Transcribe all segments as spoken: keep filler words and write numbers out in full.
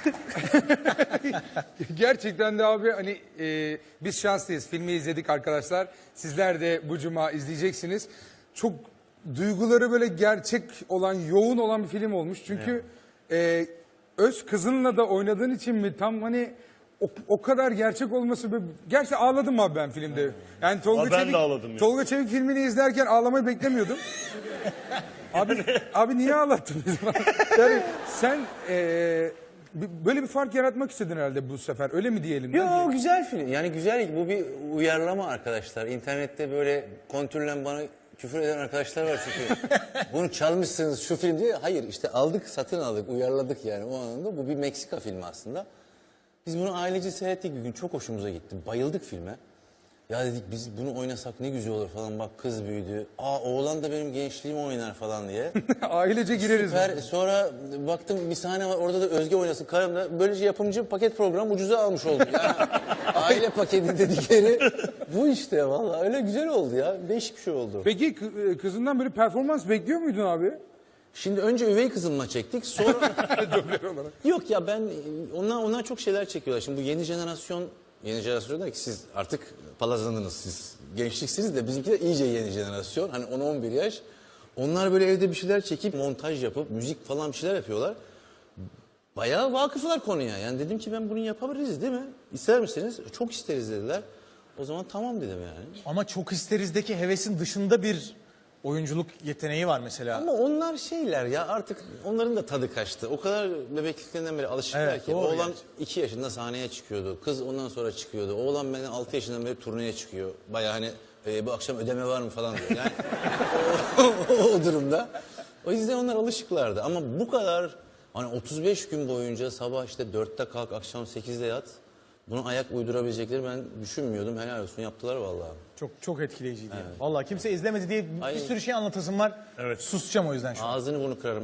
Gerçekten de abi hani e, biz şanslıyız. Filmi izledik arkadaşlar. Sizler de bu cuma izleyeceksiniz. Çok duyguları böyle gerçek olan, yoğun olan bir film olmuş. Çünkü e, öz kızınla da oynadığın için mi tam hani o, o kadar gerçek olması böyle... Gerçi ağladım abi ben filmde. Yani Tolga Ama ben Çevik, de ağladım ya. Tolga Çevik filmini izlerken ağlamayı beklemiyordum. Abi, abi niye ağlattın bizi? Yani sen e, b- böyle bir fark yaratmak istedin herhalde bu sefer. Öyle mi diyelim? Yo, güzel film. Yani güzel, bu bir uyarlama arkadaşlar. İnternette böyle kontürlen bana küfür eden arkadaşlar var çünkü. Bunu çalmışsınız şu film diye. Hayır, işte aldık, satın aldık, uyarladık yani o anında. Bu bir Meksika filmi aslında. Biz bunu ailece seyrettik bir gün, çok hoşumuza gitti. Bayıldık filme. Ya dedik biz bunu oynasak ne güzel olur falan, bak kız büyüdü. Aa, oğlan da benim gençliğimi oynar falan diye. Ailece gireriz. Süper. Sonra baktım bir sahne var, orada da Özge oynasın karım da. Böylece yapımcı paket program ucuza almış oldu. Yani aile paketi dedikleri bu işte, vallahi öyle güzel oldu ya. Değişik bir şey oldu. Peki kı- kızından böyle performans bekliyor muydun abi? Şimdi önce üvey kızımla çektik, sonra... Dublör olarak. Yok ya, ben onlar onlar çok şeyler çekiyorlar. Şimdi bu yeni jenerasyon, yeni jenerasyon der ki siz artık palazlandınız, siz gençliksiniz de bizimki de iyice yeni jenerasyon. Hani on on bir yaş. Onlar böyle evde bir şeyler çekip montaj yapıp müzik falan bir şeyler yapıyorlar. Bayağı vakıflar konuya. Yani dedim ki ben bunu yapabiliriz değil mi? İster misiniz? Çok isteriz dediler. O zaman tamam dedim yani. Ama çok isterizdeki hevesin dışında bir oyunculuk yeteneği var mesela. Ama onlar şeyler ya, artık onların da tadı kaçtı. O kadar bebekliklerinden beri alışıklar Evet, ki. doğru Oğlan gerçi. iki yaşında sahneye çıkıyordu. Kız ondan sonra çıkıyordu. Oğlan benden altı yaşından beri turneye çıkıyor. Bayağı hani e, bu akşam ödeme var mı falan diyor. Yani o, o, o durumda. O yüzden onlar alışıklardı. Ama bu kadar hani otuz beş gün boyunca sabah işte dörtte kalk, akşam sekizde yat. Buna ayak uydurabilecekleri ben düşünmüyordum. Helal olsun, yaptılar vallahi. Çok çok etkileyiciydi yani. Vallahi kimse izlemedi diye bir Ay. sürü şey anlatasım var. Evet. Susacağım o yüzden şu an. Ağzını bunu kırarım.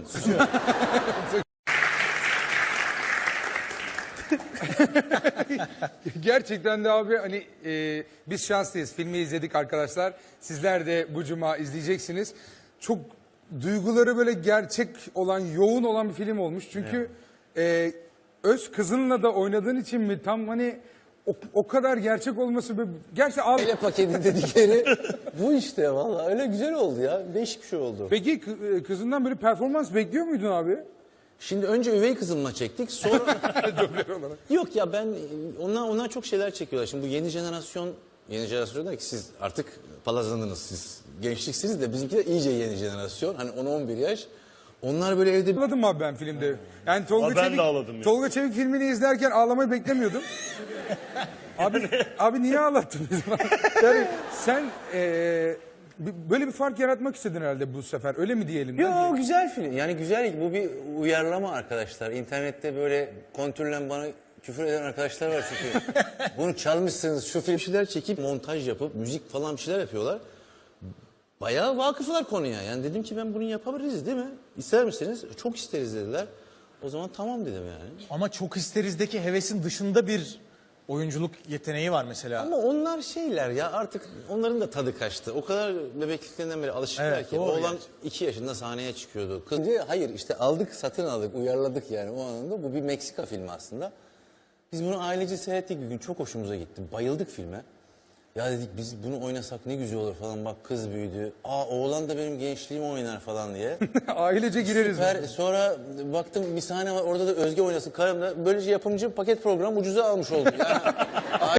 Gerçekten de abi hani e, biz şanslıyız. Filmi izledik arkadaşlar. Sizler de bu cuma izleyeceksiniz. Çok duyguları böyle gerçek olan, yoğun olan bir film olmuş. Çünkü e, öz kızınla da oynadığın için mi tam hani o, o kadar gerçek olması böyle... Gerçi ağ... Aile paketi dedikleri bu işte, vallahi öyle güzel oldu ya. Değişik bir şey oldu. Peki kı- kızından böyle performans bekliyor muydun abi? Şimdi önce üvey kızımla çektik, sonra... Dublör olarak. Yok ya, ben onlar onlar çok şeyler çekiyorlar. Şimdi bu yeni jenerasyon, yeni jenerasyon der ki siz artık palazlandınız, siz gençliksiniz de bizimki de iyice yeni jenerasyon. Hani on on bir yaş. Onlar böyle evde... Ağladım abi ben filmde. Yani Tolga Ama ben Çevik, de ağladım ya. Tolga Çevik filmini izlerken ağlamayı beklemiyordum. abi abi niye ağlattın bizi? Yani sen e, b- böyle bir fark yaratmak istedin herhalde bu sefer. Öyle mi diyelim? Yo, güzel film. Yani güzel, bu bir uyarlama arkadaşlar. İnternette böyle kontürlen bana küfür eden arkadaşlar var çünkü. Bunu çalmışsınız şu film, bir şeyler çekip montaj yapıp müzik falan bir şeyler yapıyorlar. Bayağı vakıflar konuya. Yani dedim ki ben bunu yapabiliriz değil mi? İster misiniz? Çok isteriz dediler. O zaman tamam dedim yani. Ama çok isterizdeki hevesin dışında bir oyunculuk yeteneği var mesela. Ama onlar şeyler ya, artık onların da tadı kaçtı. O kadar bebekliklerinden beri alışıklar Evet, ki. doğru Oğlan gerçi. iki yaşında sahneye çıkıyordu. Kız diye, hayır işte aldık, satın aldık, uyarladık yani o anında. Bu bir Meksika filmi aslında. Biz bunu ailece seyrettik bir gün, çok hoşumuza gitti. Bayıldık filme. Ya dedik biz bunu oynasak ne güzel olur falan, bak kız büyüdü. Aa, oğlan da benim gençliğimi oynar falan diye. Ailece gireriz. Süper. Sonra baktım bir sahne var, orada da Özge oynasın karım da. Böylece yapımcı paket program ucuza almış oldu. Yani